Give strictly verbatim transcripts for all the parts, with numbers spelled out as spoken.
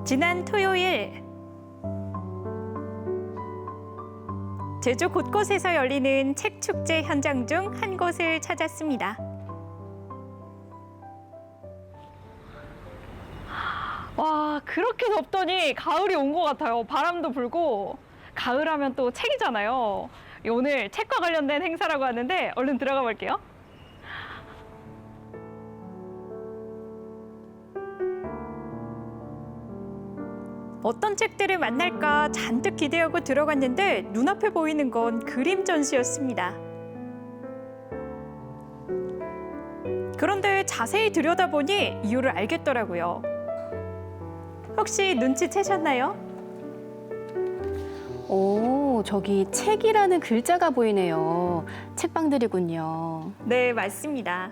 지난 토요일 제주 곳곳에서 열리는 책 축제 현장 중 한 곳을 찾았습니다. 와, 그렇게 덥더니 가을이 온 것 같아요. 바람도 불고 가을하면 또 책이잖아요. 오늘 책과 관련된 행사라고 하는데 얼른 들어가 볼게요. 어떤 책들을 만날까 잔뜩 기대하고 들어갔는데 눈앞에 보이는 건 그림 전시였습니다. 그런데 자세히 들여다보니 이유를 알겠더라고요. 혹시 눈치채셨나요? 오, 저기 책이라는 글자가 보이네요. 책방들이군요. 네, 맞습니다.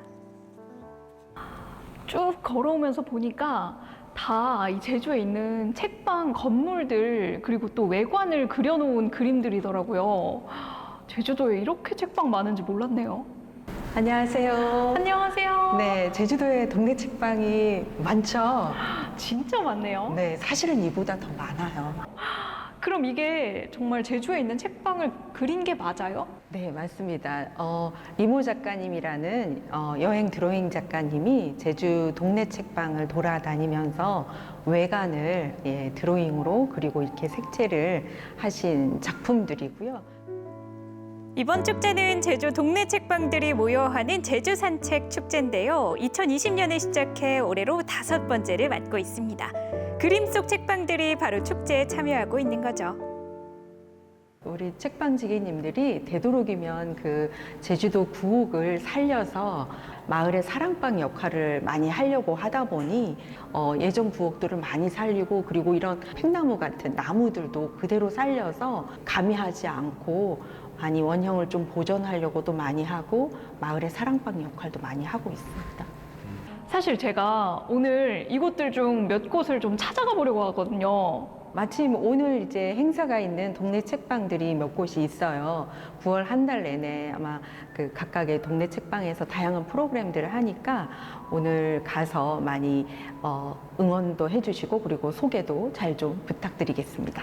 쭉 걸어오면서 보니까 다 이 제주에 있는 책방 건물들 그리고 또 외관을 그려놓은 그림들이더라고요. 제주도에 이렇게 책방 많은지 몰랐네요. 안녕하세요. 안녕하세요. 네, 제주도에 동네 책방이 많죠? 진짜 많네요. 네, 사실은 이보다 더 많아요. 그럼 이게 정말 제주에 있는 책방을 그린 게 맞아요? 네, 맞습니다. 어, 이모 작가님이라는 어, 여행 드로잉 작가님이 제주 동네 책방을 돌아다니면서 외관을 예, 드로잉으로 그리고 이렇게 색채를 하신 작품들이고요. 이번 축제는 제주 동네 책방들이 모여 하는 제주 산책 축제인데요. 이천이십 년에 시작해 올해로 다섯 번째를 맞고 있습니다. 그림 속 책방들이 바로 축제에 참여하고 있는 거죠. 우리 책방 지기님들이 되도록이면 그 제주도 구옥을 살려서 마을의 사랑방 역할을 많이 하려고 하다 보니 어, 예전 구옥들을 많이 살리고 그리고 이런 팽나무 같은 나무들도 그대로 살려서 가미하지 않고 많이 원형을 좀 보존하려고도 많이 하고 마을의 사랑방 역할도 많이 하고 있습니다. 사실 제가 오늘 이곳들 중 몇 곳을 좀 찾아가 보려고 하거든요. 마침 오늘 이제 행사가 있는 동네 책방들이 몇 곳이 있어요. 구월 한 달 내내 아마 그 각각의 동네 책방에서 다양한 프로그램들을 하니까 오늘 가서 많이 어, 응원도 해주시고 그리고 소개도 잘 좀 부탁드리겠습니다.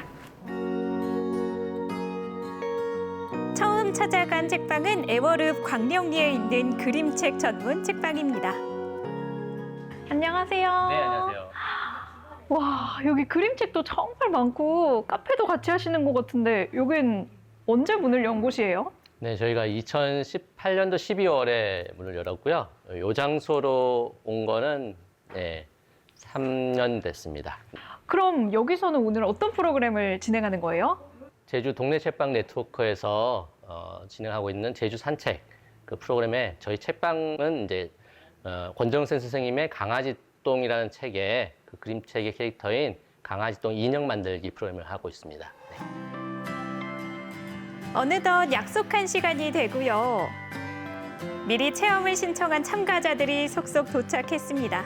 처음 찾아간 책방은 애월읍 광령리에 있는 그림책 전문 책방입니다. 안녕하세요. 네, 안녕하세요. 와, 여기 그림책도 정말 많고 카페도 같이 하시는 것 같은데 여긴 언제 문을 연 곳이에요? 네, 저희가 이천십팔 년도 십이월에 문을 열었고요. 이 장소로 온 거는 네, 삼 년 됐습니다. 그럼 여기서는 오늘 어떤 프로그램을 진행하는 거예요? 제주 동네 책방 네트워크에서 어, 진행하고 있는 제주 산책 그 프로그램에 저희 책방은 이제 어, 권정센 선생님의 강아지똥이라는 책에 그 그림책의 캐릭터인 강아지똥 인형 만들기 프로그램을 하고 있습니다. 네. 어느덧 약속한 시간이 되고요. 미리 체험을 신청한 참가자들이 속속 도착했습니다.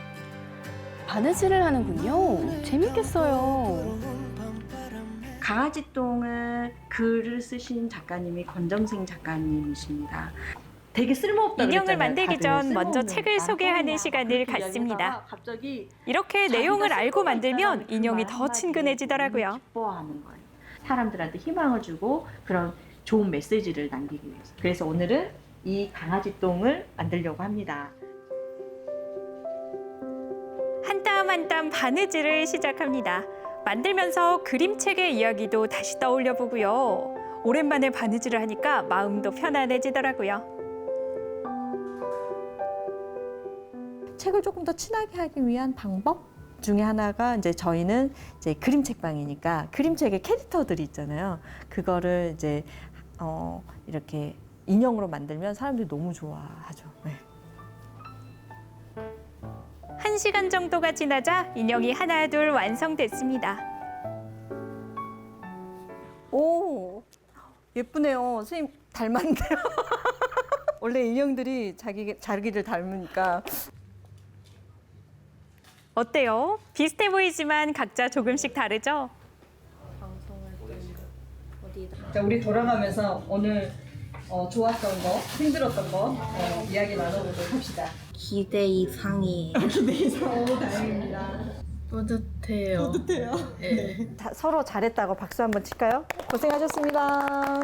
바느질을 하는군요. 재밌겠어요. 강아지 똥을 글을 쓰신 작가님이 권정생 작가님이십니다. 되게 쓸모없다 인형을 그랬잖아요. 만들기 다들 전 먼저 쓸모없는 책을 소개하는 똥이야. 시간을 그렇게 갖습니다. 이야기하다가 갑자기 이렇게 자기가 내용을 쓸모가 알고 있다라는 만들면 그 인형이 말 더 한마디에 친근해지더라고요. 기뻐하는 거예요. 사람들한테 희망을 주고 그런 좋은 메시지를 남기기 위해서. 그래서 오늘은 이 강아지 똥을 만들려고 합니다. 한 땀 한 땀 바느질을 시작합니다. 만들면서 그림책의 이야기도 다시 떠올려 보고요. 오랜만에 바느질을 하니까 마음도 편안해지더라고요. 책을 조금 더 친하게 하기 위한 방법 중에 하나가 이제 저희는 이제 그림 책방이니까 그림책의 캐릭터들이 있잖아요. 그거를 이제 어 이렇게 인형으로 만들면 사람들이 너무 좋아하죠. 네. 한 시간 정도가 지나자 인형이 하나 둘 완성됐습니다. 오, 예쁘네요. 선생님 닮았는데요. 원래 인형들이 자기 자기를 닮으니까. 어때요? 비슷해 보이지만 각자 조금씩 다르죠? 자, 우리 돌아가면서 오늘 어, 좋았던 거, 힘들었던 거 어, 이야기 나눠보도록 합시다. 기대 이상이에요. 기대 이상. 오, 다행입니다. 뿌듯해요. 뿌듯해요. 네. 다- 서로 잘했다고 박수 한번 칠까요? 고생하셨습니다.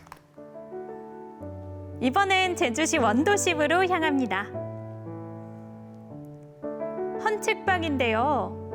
이번엔 제주시 원도심으로 향합니다. 헌책방인데요.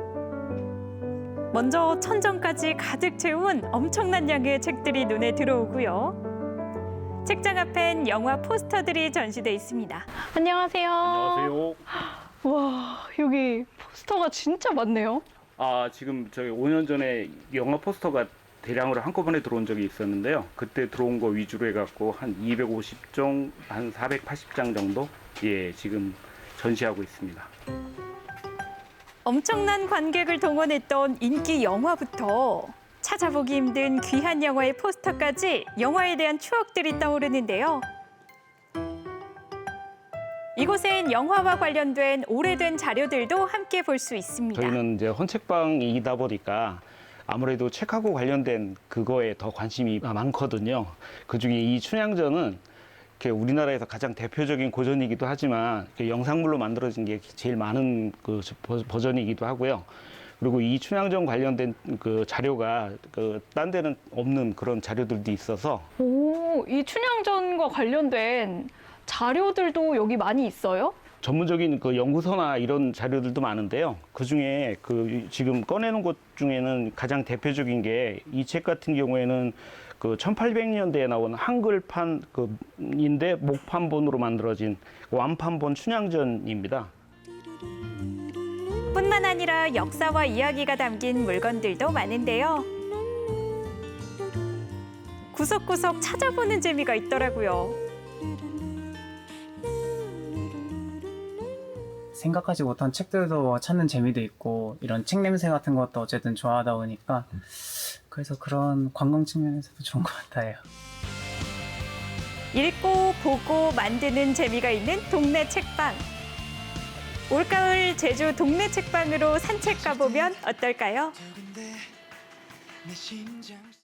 먼저 천정까지 가득 채운 엄청난 양의 책들이 눈에 들어오고요. 책장 앞엔 영화 포스터들이 전시돼 있습니다. 안녕하세요. 안녕하세요. 와, 여기 포스터가 진짜 많네요. 아, 지금 저희 오 년 전에 영화 포스터가 대량으로 한꺼번에 들어온 적이 있었는데요. 그때 들어온 거 위주로 해갖고 한 이백오십 종, 한 사백팔십 장 정도 예, 지금 전시하고 있습니다. 엄청난 관객을 동원했던 인기 영화부터 찾아보기 힘든 귀한 영화의 포스터까지 영화에 대한 추억들이 떠오르는데요. 이곳엔 영화와 관련된 오래된 자료들도 함께 볼 수 있습니다. 저희는 이제 헌책방이다 보니까 아무래도 책하고 관련된 그거에 더 관심이 많거든요. 그중에 이 춘향전은 이렇게 우리나라에서 가장 대표적인 고전이기도 하지만 이렇게 영상물로 만들어진 게 제일 많은 그 버- 버전이기도 하고요. 그리고 이 춘향전 관련된 그 자료가 그 딴 데는 없는 그런 자료들도 있어서 오, 이 춘향전과 관련된 자료들도 여기 많이 있어요? 전문적인 그 연구서나 이런 자료들도 많은데요. 그 중에 그 지금 꺼내놓은 것 중에는 가장 대표적인 게 이 책 같은 경우에는 그 천팔백 년대에 나온 한글판 그인데 목판본으로 만들어진 완판본 춘향전입니다. 뿐만 아니라 역사와 이야기가 담긴 물건들도 많은데요. 구석구석 찾아보는 재미가 있더라고요. 생각하지 못한 책들도 찾는 재미도 있고 이런 책 냄새 같은 것도 어쨌든 좋아하다 보니까 그래서 그런 관광 측면에서도 좋은 것 같아요. 읽고 보고 만드는 재미가 있는 동네 책방. 올가을 제주 동네 책방으로 산책 가보면 어떨까요?